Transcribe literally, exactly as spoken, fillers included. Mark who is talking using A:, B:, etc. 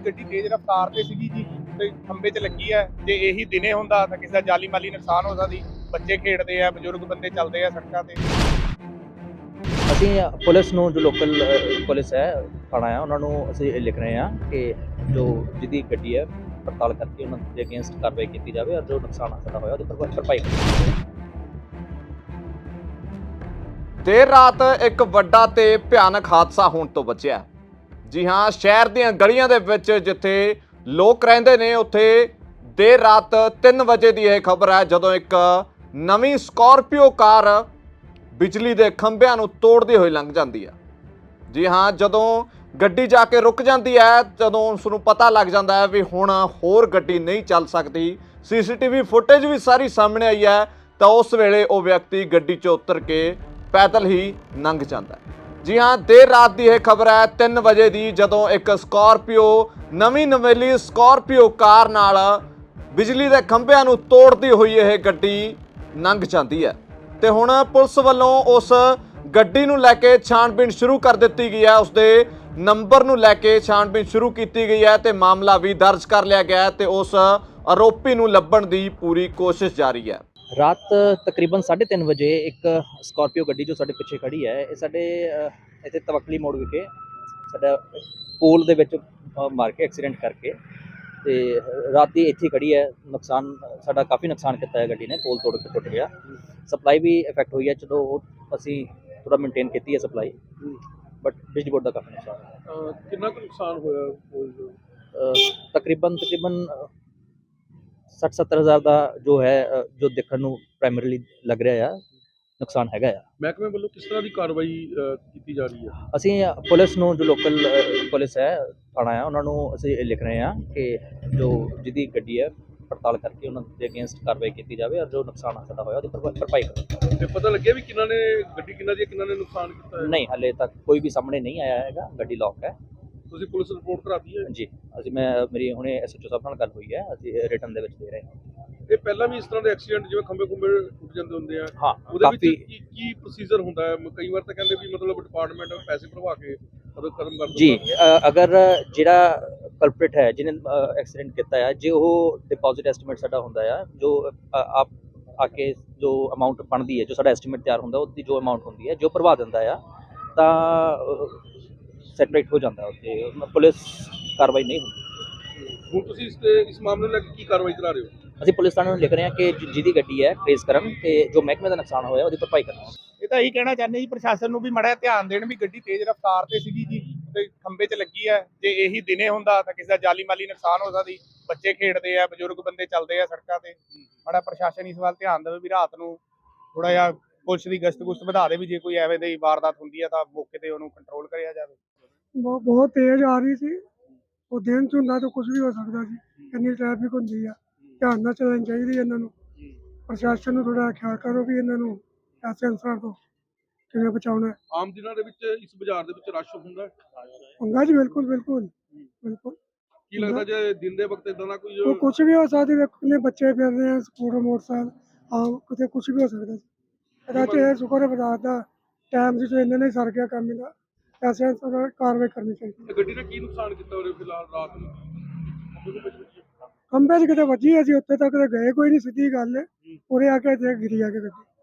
A: ਗੱਡੀ ਤੇਜ਼ ਰਫ਼ਤਾਰ ਤੇ ਸੀਗੀ ਜੀ ਤੇ ਖੰਭੇ 'ਚ ਲੱਗੀ ਹੈ। ਜੇ ਇਹੀ ਦਿਨੇ ਹੁੰਦਾ ਤਾਂ ਕਿਸੇ ਦਾ ਜਾਨੀ ਮਾਲੀ ਨੁਕਸਾਨ ਹੋ ਸਕਦੀ। ਬੱਚੇ ਖੇਡਦੇ ਆ, ਬਜ਼ੁਰਗ ਬੰਦੇ ਚੱਲਦੇ ਆ ਸੜਕਾਂ ਤੇ।
B: ਅਸੀਂ ਪੁਲਿਸ ਨੂੰ ਜੋ ਲੋਕਲ ਪੁਲਿਸ ਹੈ ਥਾਣਾ ਆ ਉਹਨਾਂ ਨੂੰ ਅਸੀਂ ਇਹ ਲਿਖ ਰਹੇ ਹਾਂ ਕਿ ਜੋ ਜਿਹਦੀ ਗੱਡੀ ਹੈ ਪੜਤਾਲ ਕਰਕੇ ਉਹਨਾਂ ਦੇ ਅਗੇਂਸਟ ਕਾਰਵਾਈ ਕੀਤੀ ਜਾਵੇ ਔਰ ਜੋ ਨੁਕਸਾਨ ਸਾਡਾ ਹੋਇਆ ਉਹਦੀ ਭਰਪਾਈ ਭਰਪਾਈ ਕੀਤੀ ਜਾਵੇ।
C: ਦੇਰ ਰਾਤ ਇੱਕ ਵੱਡਾ ਤੇ ਭਿਆਨਕ ਹਾਦਸਾ ਹੋਣ ਤੋਂ ਬਚਿਆ। ਜੀ ਹਾਂ, ਸ਼ਹਿਰ ਦੀਆਂ ਗਲੀਆਂ ਦੇ ਵਿੱਚ ਜਿੱਥੇ ਲੋਕ ਰਹਿੰਦੇ ਨੇ ਉੱਥੇ ਦੇਰ ਰਾਤ ਤਿੰਨ ਵਜੇ ਦੀ ਇਹ ਖਬਰ ਹੈ ਜਦੋਂ ਇੱਕ ਨਵੀਂ ਸਕਾਰਪੀਓ ਕਾਰ ਬਿਜਲੀ ਦੇ ਖੰਭਿਆਂ ਨੂੰ ਤੋੜਦੀ ਹੋਈ ਲੰਘ ਜਾਂਦੀ ਹੈ। ਜੀ ਹਾਂ, ਜਦੋਂ ਗੱਡੀ ਜਾ ਕੇ ਰੁਕ ਜਾਂਦੀ ਹੈ, ਜਦੋਂ ਉਸ ਨੂੰ ਪਤਾ ਲੱਗ ਜਾਂਦਾ ਹੈ ਵੀ ਹੁਣ ਹੋਰ ਗੱਡੀ ਨਹੀਂ ਚੱਲ ਸਕਦੀ, ਸੀਸੀਟੀਵੀ ਫੁਟੇਜ ਵੀ ਸਾਰੀ ਸਾਹਮਣੇ ਆਈ ਹੈ, ਤਾਂ ਉਸ ਵੇਲੇ ਉਹ ਵਿਅਕਤੀ ਗੱਡੀ 'ਚੋਂ ਉਤਰ ਕੇ ਪੈਦਲ ਹੀ ਲੰਘ ਜਾਂਦਾ ਹੈ। ਜੀ ਹਾਂ, ਦੇਰ ਰਾਤ ਦੀ ਇਹ ਖਬਰ ਹੈ ਤਿੰਨ ਵਜੇ ਦੀ, ਜਦੋਂ ਇੱਕ ਸਕਾਰਪੀਓ ਨਵੀਂ ਨਵੇਲੀ ਸਕਾਰਪੀਓ ਕਾਰ ਨਾਲ ਬਿਜਲੀ ਦੇ ਖੰਭਿਆਂ ਨੂੰ ਤੋੜਦੀ ਹੋਈ ਇਹ ਗੱਡੀ ਲੰਘ ਜਾਂਦੀ ਹੈ ਤੇ ਹੁਣ ਪੁਲਿਸ ਵੱਲੋਂ ਉਸ ਗੱਡੀ ਨੂੰ ਲੈ ਕੇ ਛਾਣਬੀਣ ਸ਼ੁਰੂ ਕਰ ਦਿੱਤੀ ਗਈ ਹੈ। ਉਸਦੇ ਨੰਬਰ ਨੂੰ ਲੈ ਕੇ ਛਾਣਬੀਣ ਸ਼ੁਰੂ ਕੀਤੀ ਗਈ ਹੈ ਤੇ ਮਾਮਲਾ ਵੀ ਦਰਜ ਕਰ ਲਿਆ ਗਿਆ ਹੈ ਤੇ ਉਸ ਆਰੋਪੀ ਨੂੰ ਲੱਭਣ ਦੀ ਪੂਰੀ ਕੋਸ਼ਿਸ਼ ਜਾਰੀ ਹੈ।
B: ਰਾਤ ਤਕਰੀਬਨ ਸਾਢੇ ਤਿੰਨ ਵਜੇ ਇੱਕ ਸਕਾਰਪੀਓ ਗੱਡੀ ਜੋ ਸਾਡੇ ਪਿੱਛੇ ਖੜੀ ਹੈ, ਇਹ ਸਾਡੇ ਇੱਥੇ ਤਵਕਲੀ ਮੋੜ ਵਿਖੇ ਸਾਡਾ ਪੋਲ ਦੇ ਵਿੱਚ ਮਾਰ ਕੇ ਐਕਸੀਡੈਂਟ ਕਰਕੇ ਤੇ ਰਾਤ ਦੀ ਇੱਥੇ ਖੜੀ ਹੈ। ਨੁਕਸਾਨ ਸਾਡਾ ਕਾਫੀ ਨੁਕਸਾਨ ਕੀਤਾ ਹੈ ਗੱਡੀ ਨੇ, ਪੋਲ ਤੋੜ ਕੇ ਟੁੱਟ ਗਿਆ, ਸਪਲਾਈ ਵੀ ਇਫੈਕਟ ਹੋਈ ਹੈ। ਚਲੋ ਉਹ ਅਸੀਂ ਥੋੜਾ ਮੇਨਟੇਨ ਕੀਤੀ ਹੈ ਸਪਲਾਈ, ਬਟ ਬਿਜਲੀ ਬੋਰਡ ਦਾ ਕਾਫੀ ਨੁਕਸਾਨ ਹੋਇਆ।
A: ਕਿੰਨਾ ਕੁ ਨੁਕਸਾਨ ਹੋਇਆ?
B: ਤਕਰੀਬਨ ਤਕਰੀਬਨ ਸੱਠ ਸੱਤਰ ਹਜ਼ਾਰ ਦਾ ਜੋ ਹੈ ਜੋ ਦੇਖਣ ਨੂੰ ਪ੍ਰਾਇਮਰੀਲੀ ਲੱਗ ਰਿਹਾ ਆ ਨੁਕਸਾਨ ਹੈਗਾ ਆ।
A: ਮਹਿਕਮੇ ਵੱਲੋਂ ਕਿਸ ਤਰ੍ਹਾਂ ਦੀ ਕਾਰਵਾਈ ਕੀਤੀ ਜਾ ਰਹੀ ਹੈ?
B: ਅਸੀਂ ਪੁਲਿਸ ਨੂੰ ਜੋ ਲੋਕਲ ਪੁਲਿਸ ਹੈ ਥਾਣਾ ਆ ਉਹਨਾਂ ਨੂੰ ਅਸੀਂ ਇਹ ਲਿਖ ਰਹੇ ਹਾਂ ਕਿ ਜੋ ਜਿਹਦੀ ਗੱਡੀ ਹੈ ਪੜਤਾਲ ਕਰਕੇ ਉਹਨਾਂ ਦੇ ਅਗੇਂਸਟ ਕਾਰਵਾਈ ਕੀਤੀ ਜਾਵੇ ਔਰ ਜੋ ਨੁਕਸਾਨ ਸਾਡਾ ਹੋਇਆ ਉਹਦੀ ਭਰਪਾਈ ਕੀਤੀ।
A: ਤੇ ਪਤਾ ਲੱਗਿਆ ਵੀ ਕਿਹਨਾਂ ਨੇ ਗੱਡੀ ਕਿਹਨਾਂ ਦੀ ਕਿਹਨਾਂ ਨੇ ਨੁਕਸਾਨ ਕੀਤਾ ਹੈ?
B: ਨਹੀਂ, ਹਾਲੇ ਤੱਕ ਕੋਈ ਵੀ ਸਾਹਮਣੇ ਨਹੀਂ ਆਇਆ ਹੈਗਾ, ਗੱਡੀ ਲੌਕ ਹੈ।
A: ਤੁਸੀਂ ਪੁਲਿਸ ਰਿਪੋਰਟ ਕਰਾਤੀ ਹੈ?
B: ਜੀ, ਅਸੀਂ ਮੈਂ ਮੇਰੀ ਹੁਣੇ ਐਸਐਚਓ ਸਾਹਿਬ ਨਾਲ ਗੱਲ ਹੋਈ ਹੈ, ਅਸੀਂ ਰਿਟਨ ਦੇ ਵਿੱਚ ਦੇ ਰਹੇ ਹਾਂ।
A: ਇਹ ਪਹਿਲਾਂ ਵੀ ਇਸ ਤਰ੍ਹਾਂ ਦੇ ਐਕਸੀਡੈਂਟ ਜਿਵੇਂ ਖੰਭੇ ਖੁੰਬੇ ਟੁੱਟ ਜਾਂਦੇ ਹੁੰਦੇ ਆ,
B: ਹਾਂ,
A: ਉਹਦੇ ਵਿੱਚ ਕੀ ਕੀ ਪ੍ਰੋਸੀਜਰ ਹੁੰਦਾ ਹੈ? ਕਈ ਵਾਰ ਤਾਂ ਕਹਿੰਦੇ ਵੀ ਮਤਲਬ ਡਿਪਾਰਟਮੈਂਟ ਪੈਸੇ ਭਰਵਾ ਕੇ ਉਹਦਾ ਕਦਮ ਕਰ
B: ਜੀ। ਅਗਰ ਜਿਹੜਾ ਕਲਪ੍ਰਿਟ ਹੈ ਜਿਹਨੇ ਐਕਸੀਡੈਂਟ ਕੀਤਾ ਹੈ, ਜੇ ਉਹ ਡਿਪੋਜ਼ਿਟ ਐਸਟੀਮੇਟ ਸਾਡਾ ਹੁੰਦਾ ਆ, ਜੋ ਆਪ ਆ ਕੇ ਜੋ ਅਮਾਊਂਟ ਬਣਦੀ ਹੈ, ਜੋ ਸਾਡਾ ਐਸਟੀਮੇਟ ਤਿਆਰ ਹੁੰਦਾ ਉਹਦੀ ਜੋ ਅਮਾਊਂਟ ਹੁੰਦੀ ਹੈ, ਜੋ ਭਰਵਾ ਦਿੰਦਾ ਆ ਤਾਂ ਸੈਟਰੇਟ ਹੋ ਜਾਂਦਾ ਉੱਥੇ, ਪੁਲਿਸ ਕਾਰਵਾਈ ਨਹੀਂ ਹੁੰਦੀ।
A: ਹੁਣ ਤੁਸੀਂ ਇਸ ਤੇ ਇਸ ਮਾਮਲੇ ਨੂੰ ਲੈ ਕੇ ਕੀ ਕਾਰਵਾਈ ਕਰਾ ਰਹੇ ਹੋ?
B: ਅਸੀਂ ਪੁਲਿਸ ਥਾਣੇ ਨੂੰ ਲਿਖ ਰਹੇ ਹਾਂ ਕਿ ਜਿਹਦੀ ਗੱਡੀ ਹੈ ਟ੍ਰੇਸ ਕਰਨ ਤੇ ਜੋ ਮਹਿਕਮੇ ਦਾ ਨੁਕਸਾਨ ਹੋਇਆ ਉਹਦੀ ਭਰਪਾਈ ਕਰਨ।
A: ਇਹ ਤਾਂ ਇਹੀ ਕਹਿਣਾ ਚਾਹੁੰਦੇ ਜੀ ਪ੍ਰਸ਼ਾਸਨ ਨੂੰ ਵੀ ਮਾੜਾ ਧਿਆਨ ਦੇਣ ਵੀ ਗੱਡੀ ਤੇਜ਼ ਰਫ਼ਤਾਰ ਤੇ ਸੀਗੀ ਜੀ ਤੇ ਖੰਭੇ 'ਚ ਲੱਗੀ ਹੈ। ਜੇ ਇਹੀ ਦਿਨੇ ਹੁੰਦਾ ਤਾਂ ਕਿਸੇ ਦਾ ਜਾਨੀ ਮਾਲੀ ਨੁਕਸਾਨ ਹੋ ਸਕਦੀ। ਬੱਚੇ ਖੇਡਦੇ ਆ, ਬਜ਼ੁਰਗ ਬੰਦੇ ਚੱਲਦੇ ਆ ਸੜਕਾਂ ਤੇ। ਮਾੜਾ ਪ੍ਰਸ਼ਾਸਨ ਇਸ ਵੱਲ ਧਿਆਨ ਦੇਵੇ ਵੀ ਰਾਤ ਨੂੰ ਥੋੜਾ ਜਿਹਾ ਪੁਲਿਸ ਦੀ ਗਸ਼ਤ ਗੁਸ਼ਤ ਵਧਾ ਦੇ ਵੀ ਜੇ ਕੋਈ ਐਵੇਂ ਦੀ ਵਾਰਦਾਤ ਹੁੰਦੀ ਹੈ ਤਾਂ ਮੌਕੇ ਤੇ ਉਹਨੂੰ ਕੰਟਰੋਲ ਕਰਿਆ ਜਾਵੇ।
D: ਬਹੁਤ ਬਹੁਤ ਤੇਜ਼ ਆ ਰਹੀ ਸੀ, ਉਹ ਦਿਨ 'ਚ ਹੁੰਦਾ ਤਾਂ ਕੁਝ ਵੀ ਹੋ ਸਕਦਾ ਸੀ। ਇੰਨੀ ਟ੍ਰੈਫਿਕ ਹੁੰਦੀ ਆ, ਧਿਆਨ ਨਾਲ ਚੱਲਣੀ ਚਾਹੀਦੀ ਇਹਨਾਂ ਨੂੰ। ਪ੍ਰਸ਼ਾਸਨ ਨੂੰ ਥੋੜਾ ਖਿਆਲ ਕਰੋ ਵੀ ਇਹਨਾਂ ਨੂੰ ਐਸੇ ਅਨਸਰਾਂ ਤੋਂ ਕਿਵੇਂ ਬਚਾਉਣਾ।
A: ਆਮ ਦਿਨਾਂ ਦੇ ਵਿੱਚ ਇਸ ਬਾਜ਼ਾਰ ਦੇ ਵਿੱਚ ਰਸ਼ ਹੁੰਦਾ
D: ਹੁੰਦਾ ਜੀ, ਬਿਲਕੁਲ ਬਿਲਕੁਲ ਬਿਲਕੁਲ।
A: ਕੀ ਲੱਗਦਾ ਜੇ ਦਿਨ ਦੇ ਵਕਤ ਇਦਾਂ ਦਾ ਕੋਈ
D: ਉਹ ਕੁਝ ਵੀ ਹੋ ਸਕਦਾ, ਵੇਖੋ ਕਿੰਨੇ ਬੱਚੇ ਫਿਰ ਰਹੇ ਆ, ਸਕੂਟਰ ਮੋਟਰਸਾਈਕਲ ਆਮ ਕਿਤੇ ਕੁਝ ਵੀ ਹੋ ਸਕਦਾ ਸੀ। ਇਹਦਾ ਚ ਇਹ ਸ਼ੁਕਰ ਹੈ ਬਜ਼ਾਰ ਦਾ ਟਾਈਮ ਸੀ, ਇਹਨਾਂ ਨੇ ਸਰ ਗਿਆ ਕੰਮ ਇਹਦਾ, ਐਸੇ ਅਨਸਰਾਂ ਕਾਰਵਾਈ ਕਰਨੀ ਚਾਹੀਦੀ।
A: ਗੱਡੀ ਨੇ ਕੀ ਨੁਕਸਾਨ ਕੀਤਾ ਉਹਦੇ ਫਿਲਹਾਲ ਰਾਤ ਨੂੰ?
D: ਖੰਭੇ 'ਚ ਕਿਤੇ ਵੱਜੀ, ਅਸੀਂ ਉੱਥੇ ਤੱਕ ਗਏ ਕੋਈ ਨਹੀਂ, ਸਿੱਧੀ ਗੱਲ ਹੈ। ਉਰੇ ਆ ਕੇ ਇੱਥੇ ਗਿਰੀ ਆ ਕੇ ਗੱਡੀ।